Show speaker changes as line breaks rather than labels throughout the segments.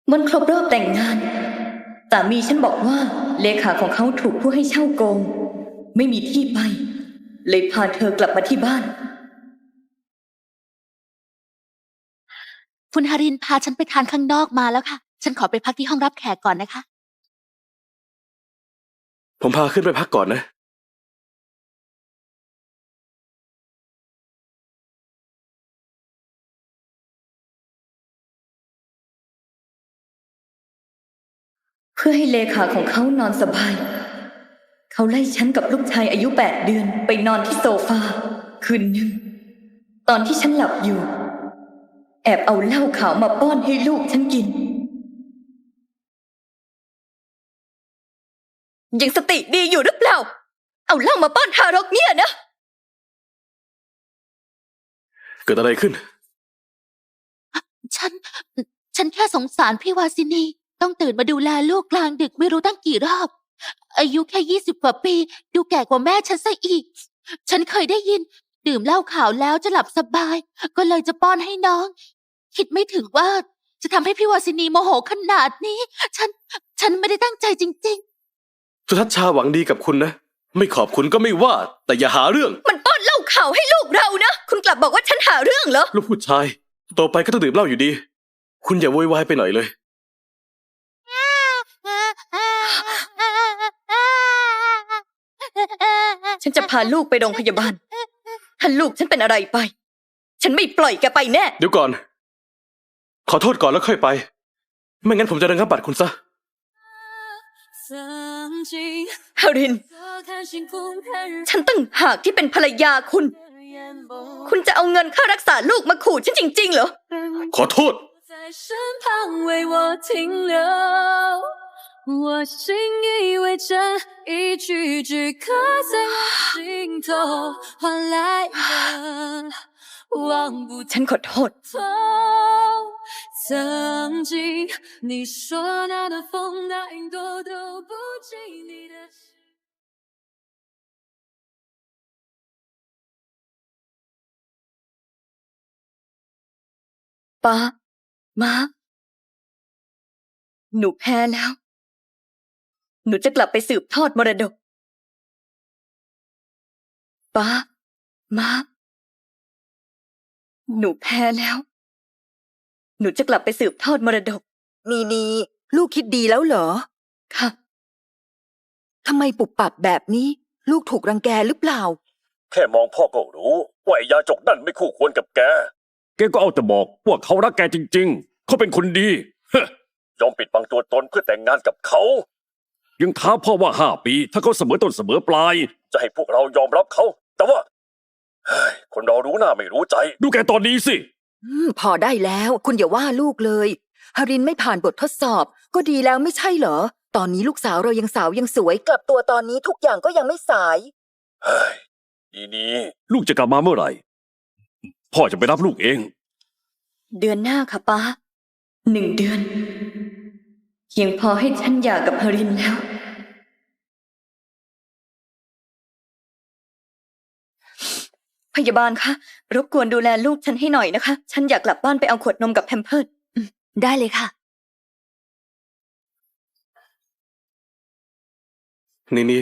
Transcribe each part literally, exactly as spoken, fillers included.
วันครบรอบแต่งงานสามีฉันบอกว่าเลขาของเขาถูกผู้ให้เช่าโกงไม่มีที่ไปเลยพาเธอกลับมาที่บ้าน
คุณฮารินพาฉันไปทานข้างนอกมาแล้วค่ะฉันขอไปพักที่ห้องรับแขกก่อนนะคะ
ผมพาขึ้นไปพักก่อนนะ
เพื่อให้เลขาของเขานอนสบายเขาไล่ฉันกับลูกชายอายุแปดเดือนไปนอนที่โซฟาคืนหนึ่งตอนที่ฉันหลับอยู่แอบเอาเหล้าขาวมาป้อนให้ลูกฉันกินยังสติดีอยู่หรือเปล่าเอาเหล้ามาป้อนทารกเนี่ยนะ
เกิดอะไรขึ้น
ฉัน ฉันแค่สงสารพี่วาสินีต้องตื่นมาดูแลลูกกลางดึกไม่รู้ตั้งกี่รอบอายุแค่ยี่สิบกว่าปีดูแก่กว่าแม่ฉันซะอีกฉันเคยได้ยินดื่มเหล้าขาวแล้วจะหลับสบายก็เลยจะป้อนให้น้องคิดไม่ถึงว่าจะทำให้พี่วาสินีโมโหขนาดนี้ฉัน ฉันไม่ได้ตั้งใจจริง
สุทัศน์ชาหวังดีกับคุณนะไม่ขอบคุณก็ไม่ว่าแต่อย่าหาเรื่อง
มันป้อนเหล้าขาวให้ลูกเรานะคุณกลับบอกว่าฉันหาเรื่องเหรอ
ลูกผู้ชายโตไปก็ต้องดื่มเหล้าอยู่ดีคุณอย่าโวยวายไปหน่อยเลย
ฉันจะพาลูกไปโรงพยาบาลถ้าลูกฉันเป็นอะไรไปฉันไม่ปล่อยแกไปแน่
เดี๋ยวก่อนขอโทษก่อนแล้วค่อยไปไม่งั้นผมจะระงับบัตรคุณซะ
ฮารินฉันตั้งหากที่เป็นภรรยาคุณคุณจะเอาเงินค่ารักษาลูกมาขู่ฉันจริงๆเหรอ
ขอโทษ
我信以为真，一句句刻在我心头，换来的忘不
ฉันขอโทษ
透。曾经你说那的风，那云朵都不及你的心。
ป้าม้าหนูแพ้แล้วหนูจะกลับไปสืบทอดมรดกป้าม้าหนูแพ้แล้วหนูจะกลับไปสืบทอดมรดก
นีนีลูกคิดดีแล้วเหรอ
ค่ะ
ทำไมปุบปับแบบนี้ลูกถูกรังแกหรือเปล่า
แค่มองพ่อก็รู้ว่าไอ้ยาจกนั่นไม่คู่ควรกับแก
แกก็เอาแต่บอกว่าเขารักแกจริงๆเขาเป็นคนดี
ยอมปิดบังตัวตนเพื่อแต่งงานกับเขา
ยังท้าพ่อว่าห้าปีถ้าเขาเสมอต้นเสมอปลาย
จะให้พวกเรายอมรับเขาแต่ว่าคนเรารู้หน้าไม่รู้ใจ
ดูแกตอนนี้สิ
พอได้แล้วคุณอย่าว่าลูกเลยฮารินไม่ผ่านบททดสอบก็ดีแล้วไม่ใช่เหรอตอนนี้ลูกสาวเรายังสาวยังสวยกลับตัวตอนนี้ทุกอย่างก็ยังไม่สาย
เฮ้ยดีนี้
ลูกจะกลับมาเมื่อไหร่พ่อจะไปรับลูกเอง
เดือนหน้าค่ะป้าหนึ่งเดือนเพียงพอให้ฉันหย่ากับฮารินแล้วพยาบาลคะรบกวนดูแลลูกฉันให้หน่อยนะคะฉันอยากกลับบ้านไปเอาขวดนมกับแพมเพิร์ส
ได้เลยค่ะ
นี่นี่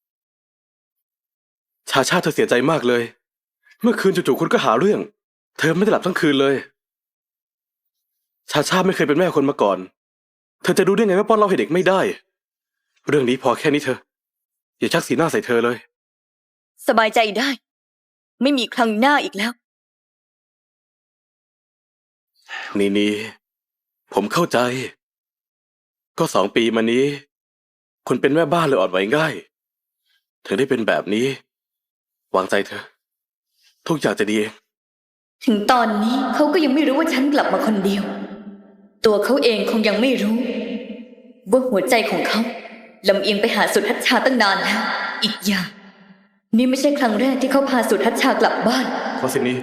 ชาชาเธอเสียใจมากเลยเมื่อคืนจู่ๆคุณก็หาเรื่องเธอไม่ได้หลับทั้งคืนเลยชาชาไม่เคยเป็นแม่คนมาก่อนเธอจะรู้ได้ไงว่าป้อนเหล้าให้เด็กไม่ได้เรื่องนี้พอแค่นี้เธออย่าชักสีหน้าใส่เธอเลย
สบายใจได้ไม่มีครั้งหน้าอีกแล้ว
นี่นี่ผมเข้าใจก็สองปีมานี้คุณเป็นแม่บ้านเลยอ่อนไหวง่ายถึงได้เป็นแบบนี้วางใจเธอทุกอย่างจะดีเอง
ถึงตอนนี้เขาก็ยังไม่รู้ว่าฉันกลับมาคนเดียวตัวเขาเองคงยังไม่รู้ว่าหัวใจของเขาลำเอียงไปหาสุทัศน์ชาตั้งนานแล้วอีกอย่างนี่ไม่ใช่ครั้งแรกที่เขาพาสุทัศน์ชากลับบ้าน
วาสินี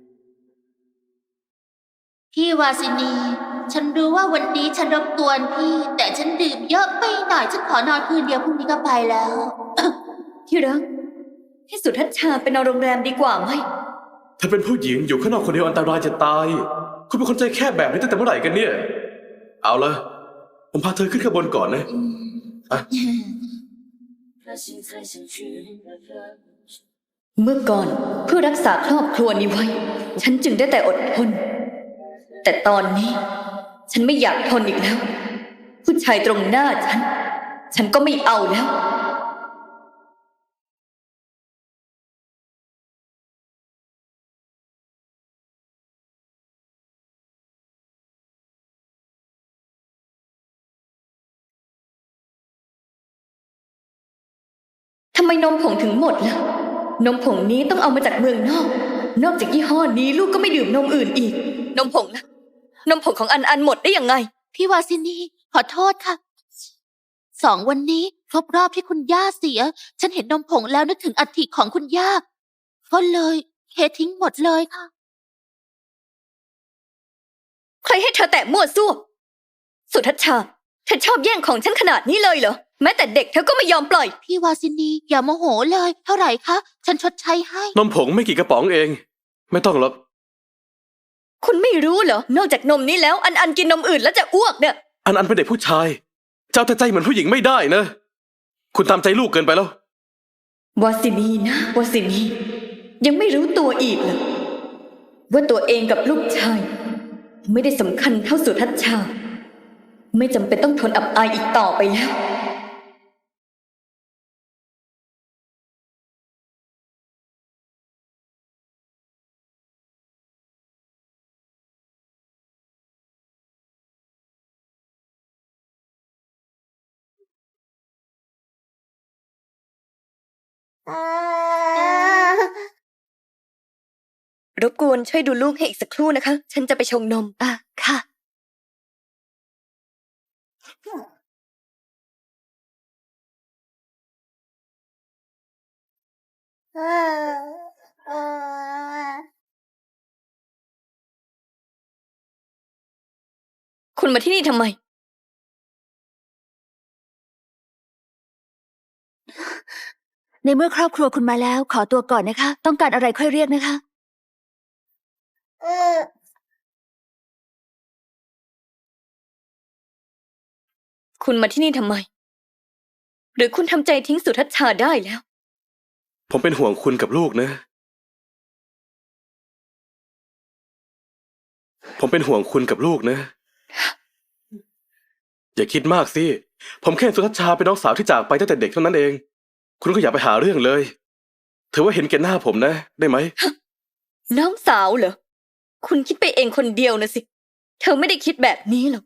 พี่วาสินีฉันรู้ว่าวันนี้ฉันรบกวนพี่แต่ฉันดื่มเยอะไปหน่อยฉันขอนอนคืนเดียวพรุ่งนี้ก็ไปแล้ว
ที่รักให้สุทัศน์ชาไปนอนโรงแรมดีกว่าไหม
เธอเป็นผู้หญิงอยู่ข้างนอกคนเดียวอันตรายจะตายคุณเป็นคนใจแคบแบบนี้ตั้งแต่เมื่อไหร่กันเนี่ยเอาละผมพาเธอขึ้นข้างบนก่อนนะอ่ะ
เมื่อก่อนเพื่อรักษาครอบครัวนี้ไว้ ฉันจึงได้แต่อดทน แต่ตอนนี้ ฉันไม่อยากทนอีกแล้ว ผู้ชายตรงหน้าฉัน ฉันก็ไม่เอาแล้ว ทำไมนมผงถึงหมดล่ะ นมผงนี้ต้องเอามาจากเมืองนอก นอกจากยี่ห้อนี้ลูกก็ไม่ดื่มนมอื่นอีก นมผงนะ นมผงของอันอันหมดได้ยังไง
พี่วาสินีขอโทษค่ะ สองวันนี้ครบรอบที่คุณย่าเสีย ฉันเห็นนมผงแล้วนึกถึงอัฐิของคุณย่า ก็เลยเททิ้งหมดเลยค่ะ
ใครให้เธอแตะมั่วซั่ว สุทัศน์ชา เธอชอบแย่งของฉันขนาดนี้เลยเหรอ แม้แต่เด็กเธอก็ไม่ยอมปล่อย
พี่วาสินีอย่าโมโหเลย เท่าไหร่คะ ฉันชดใช้ให้
นมผงไม่กี่กระป๋องเอง ไม่ต้องหรอก
คุณไม่รู้เหรอ นอกจากนมนี้แล้วอันอันกินนมอื่นแล้วจะอ้วกเนี่ย
อันอันเป็นเด็กผู้ชาย เจ้าแต่ใจเหมือนผู้หญิงไม่ได้นะ คุณตามใจลูกเกินไปแล้ว
วาสินีนะวาสินี ยังไม่รู้ตัวอีกเหรอว่าตัวเองกับลูกชาย ไม่ได้สำคัญเท่าสุทัศน์ชา ไม่จำเป็นต้องทนอับอายอีกต่อไปแล้ว รบกวนช่วยดูลูกให้อีกสักครู่นะคะ ฉันจะไปชงนม
อ่ะ ค่ะ
คุณมาที่นี่ทำไม
ในเมื่อครอบครัวคุณมาแล้ว ขอตัวก่อนนะคะ ต้องการอะไรค่อยเรียกนะคะ
คุณมาที่นี่ทำไม หรือคุณทำใจทิ้งสุทัศน์ชาได้แล้ว
ผมเป็นห่วงคุณกับลูกนะ ผมเป็นห่วงคุณกับลูกนะ อย่าคิดมากสิ ผมแค่สุทัศน์ชาเป็นน้องสาวที่จากไปตั้งแต่เด็กเท่านั้นเอง คุณก็อย่าไปหาเรื่องเลย ถือว่าเห็นแก่หน้าผมนะ ได้ไหม
น้องสาวเหรอ คุณคิดไปเองคนเดียวนะสิ เธอไม่ได้คิดแบบนี้หรอก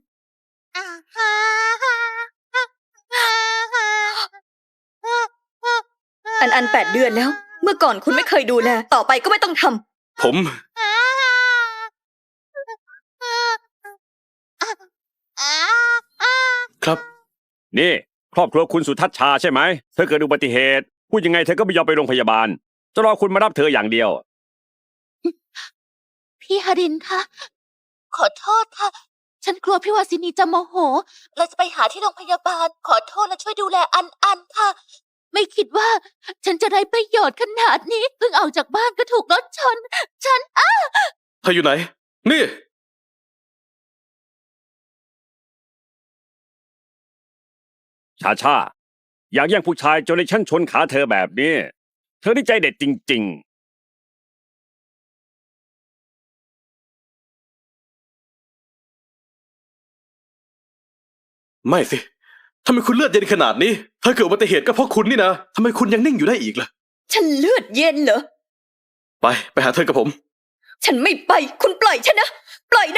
อันอันแปดเดือนแล้ว เมื่อก่อนคุณไม่เคยดูแล ต่อไปก็ไม่ต้องทำ
ผม ครับ
นี่ ครอบครัวคุณสุทัศน์ชาใช่ไหม เธอเกิดอุบัติเหตุพูดยังไงเธอก็ไม่ยอมไปโรงพยาบาล จะรอคุณมารับเธออย่างเดียว
พี่ฮารินคะ ขอโทษค่ะ ฉันกลัวพี่วาสินีจะโมโหเราจะไปหาที่โรงพยาบาล ขอโทษและช่วยดูแลอันอันค่ะ ไม่คิดว่า ฉันจะได้ประโยชน์ขนาดนี้เพิ่งออกจากบ้านก็ถูกรถชน ฉันอ้า
เธออยู่ไหน นี่
ชาชา อยากแย่งผู้ชายจนในชั้นชนขาเธอแบบนี้ เธอนี่ใจเด็ดจริง ๆ
ไม่สิทำไมคุณเลือดเย็นขนาดนี้ ถ้าเกิดอุบัติเหตุก็เพราะคุณนี่นะทำไมคุณยังนิ่งอยู่ได้อีกล่ะ
ฉันเลือดเย็นเหรอ
ไป ไปหาเธอกับผม
ฉันไม่ไป คุณปล่อยฉันนะ ปล่อยนะ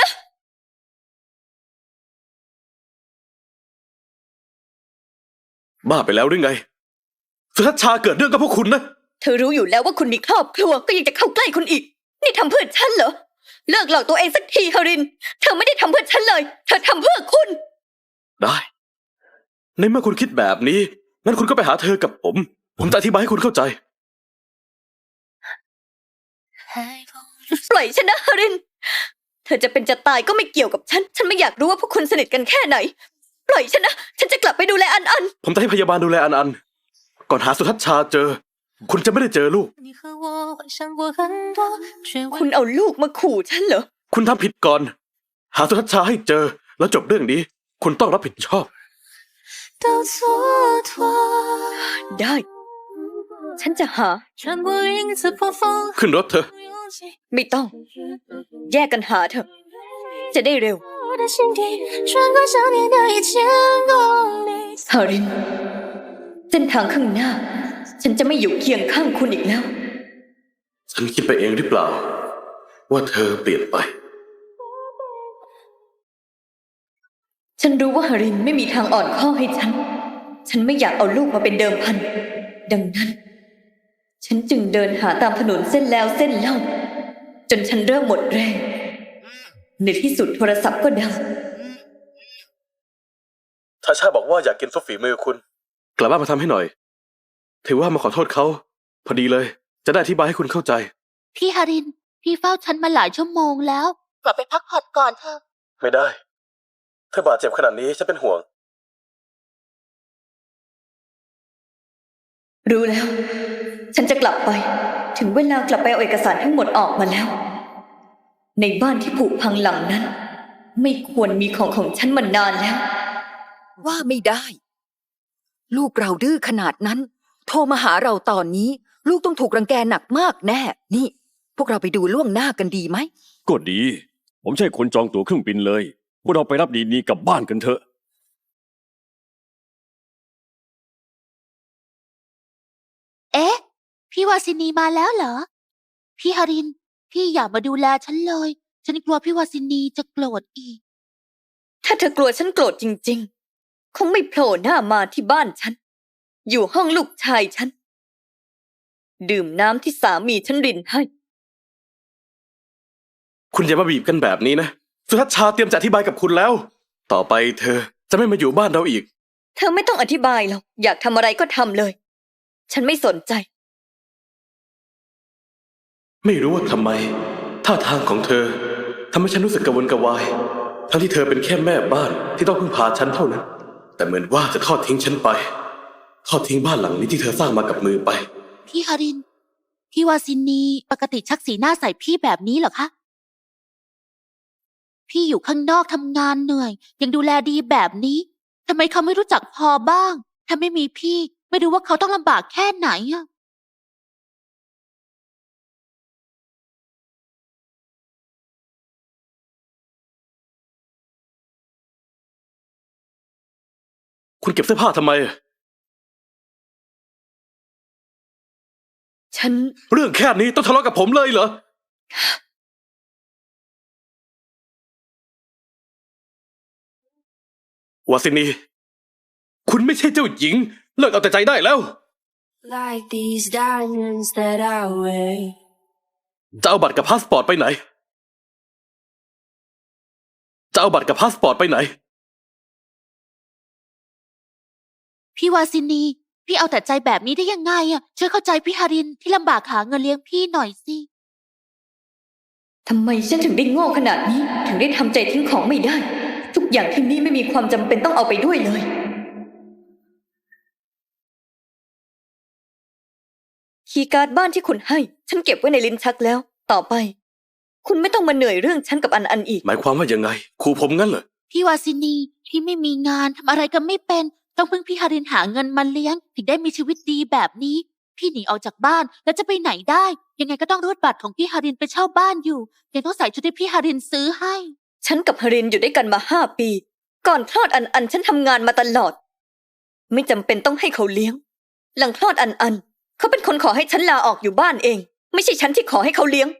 บ้าไปแล้วหรือไง สุทัศน์ชาเกิดเรื่องกับพวกคุณนะ
เธอรู้อยู่แล้วว่าคุณมีครอบครัวก็ยังจะเข้าใกล้คุณอีก นี่ทำเพื่อฉันเหรอ เลิกหลอกตัวเองสักทีฮาริน เธอไม่ได้ทำเพื่อฉันเลย เธอทำเพื่อคุณ
ได้ ในเมื่อคุณคิดแบบนี้ งั้นคุณก็ไปหาเธอกับผม ผมจะอธิบายให้คุณเข้าใจ
ปล่อยฉันนะฮาริน เธอจะเป็นจะตายก็ไม่เกี่ยวกับฉัน ฉันไม่อยากรู้ว่าพวกคุณสนิทกันแค่ไหน ปล่อยฉันนะ ฉันจะกลับไปดูแลอันอัน
ผมจะให้พยาบาลดูแลอันอัน ก่อนหาสุทัศน์ชาเจอ คุณจะไม่ได้เจอลูก
你和我幻想过很多，却
คุณเอาลูกมาขู่ฉันเหรอ
คุณทำผิดก่อน หาสุทัศน์ชาให้เจอแล้วจบเรื่องนี้ คุณต้องรับผิดชอบ
都蹉跎。
ได้ ฉันจะหา
穿过影子破风，
ขึ้นรถเถอะ
勇气
ไม่ต้อง แยกกันหาเถอะ จะได้เร็ว
我的心底，穿过想念的一千公里。
ฮาริน เส้นทางข้างหน้า ฉันจะไม่อยู่เคียงข้างคุณอีกแล้ว
ฉันคิดไปเองหรือเปล่า ว่าเธอเปลี่ยนไป
ฉันรู้ว่าฮารินไม่มีทางอ่อนข้อให้ฉัน ฉันไม่อยากเอาลูกมาเป็นเดิมพัน ดังนั้น ฉันจึงเดินหาตามถนนเส้นแล้วเส้นเล่า จนฉันเริ่มหมดแรง ในที่สุดโทรศัพท์ก็ดัง
ชาชาบอกว่าอยากกินซุปฝีมือคุณ กลับบ้านมาทำให้หน่อย ถือว่ามาขอโทษเขา พอดีเลย จะได้อธิบายให้คุณเข้าใจ
พี่ฮาริน พี่เฝ้าฉันมาหลายชั่วโมงแล้ว กลับไปพักผ่อนก่อนเถอะ
ไม่ได้ เธอบาดเจ็บขนาดนี้ฉันเป็นห่วง
รู้แล้ว ฉันจะกลับไป ถึงเวลากลับไปเอาเอกสารทั้งหมดออกมาแล้ว ในบ้านที่ผุพังหลังนั้น ไม่ควรมีของของฉันมานานแล้ว
ว่าไม่ได้ ลูกเราดื้อขนาดนั้น โทรมาหาเราตอนนี้ ลูกต้องถูกรังแกหนักมากแน่ นี่ พวกเราไปดูล่วงหน้ากันดีไหม
ก็ดี ผมใช่คนจองตั๋วเครื่องบินเลย พวกเราไปรับดีนี้กลับบ้านกันเถอะ
เอ๊ะ พี่วาสินีมาแล้วเหรอ พี่ฮาริน พี่อย่ามาดูแลฉันเลย ฉันกลัวพี่วาสินีจะโกรธอีก
ถ้าเธอกลัวฉันโกรธจริงๆ คงไม่โผล่หน้ามาที่บ้านฉัน อยู่ห้องลูกชายฉัน ดื่มน้ำที่สามีฉันรินให้
คุณอย่ามาบีบกันแบบนี้นะ สุทัศน์ชาเตรียมจะอธิบายกับคุณแล้ว ต่อไปเธอจะไม่มาอยู่บ้านเราอีก
เธอไม่ต้องอธิบายหรอก อยากทำอะไรก็ทำเลย ฉันไม่สนใจ
ไม่รู้ว่าทำไม ท่าทางของเธอทำให้ฉันรู้สึกกระวนกระวาย ทั้งที่เธอเป็นแค่แม่บ้านที่ต้องพึ่งพาฉันเท่านั้น แต่เหมือนว่าจะทอดทิ้งฉันไป ทอดทิ้งบ้านหลังนี้ที่เธอสร้างมากับมือไป
พี่ฮาริน พี่วาสินีปกติชักสีหน้าใส่พี่แบบนี้เหรอคะ พี่อยู่ข้างนอกทำงานเหนื่อย ยังดูแลดีแบบนี้ทำไมเขาไม่รู้จักพอบ้าง ถ้าไม่มีพี่ไม่รู้ว่าเขาต้องลำบากแค่ไหนอะ
คุณเก็บเสื้อผ้าทำไม
ฉัน
เรื่องแค่นี้ต้องทะเลาะกับผมเลยเหรอ วาสินี คุณไม่ใช่เจ้าหญิง เลิกเอาแต่ใจได้แล้ว
Like these diamonds that I wear.
จะเอาบัตรกับพาสปอร์ตไปไหน จะเอาบัตรกับพาสปอร์ตไปไหน
พี่วาสินี พี่เอาแต่ใจแบบนี้ได้ยังไงอะช่วยเข้าใจพี่ฮารินที่ลำบากหาเงินเลี้ยงพี่หน่อยสิ
ทำไมฉันถึงได้โง่ขนาดนี้ ถึงได้ทำใจทิ้งของไม่ได้ ทุกอย่างที่นี่ไม่มีความจำเป็นต้องเอาไปด้วยเลย คีย์การ์ดบ้านที่คุณให้ ฉันเก็บไว้ในลิ้นชักแล้ว ต่อไป คุณไม่ต้องมาเหนื่อยเรื่องฉันกับอันอันอีก
หมายความว่ายังไงขู่ผมงั้นเหรอ
พี่วาสินีพี่ไม่มีงานทำอะไรก็ไม่เป็น ต้องพึ่งพี่ฮารินหาเงินมาเลี้ยง ถึงได้มีชีวิตดีแบบนี้ พี่หนีออกจากบ้านแล้วจะไปไหนได้ ยังไงก็ต้องรูดบัตรของพี่ฮารินไปเช่าบ้านอยู่ ยังต้องใส่ชุดที่พี่ฮารินซื้อให้
ฉันกับฮารินอยู่ด้วยกันมาห้าปี ก่อนคลอดอันอันฉันทำงานมาตลอด ไม่จำเป็นต้องให้เขาเลี้ยง หลังคลอดอันอัน เขาเป็นคนขอให้ฉันลาออกอยู่บ้านเอง ไม่ใช่ฉันที่ขอให้เขาเลี้ยง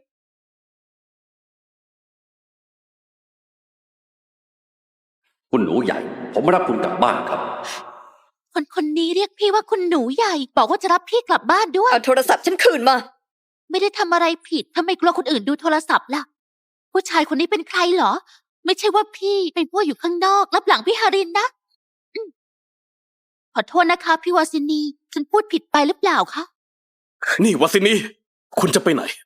คุณหนูใหญ่ ผมรับคุณกลับบ้านครับ
คนคนนี้เรียกพี่ว่าคุณหนูใหญ่ บอกว่าจะรับพี่กลับบ้านด้วย
เอาโทรศัพท์ฉันคืนมา
ไม่ได้ทำอะไรผิดทำไมกลัวคนอื่นดูโทรศัพท์ล่ะ ผู้ชายคนนี้เป็นใครเหรอ ไม่ใช่ว่าพี่เป็นผู้อยู่ข้างนอกรับหลังพี่ฮารินนะอืมขอโทษนะคะพี่วาสินี ฉันพูดผิดไปหรือเปล่าคะ
นี่วาสินี คุณจะไปไหน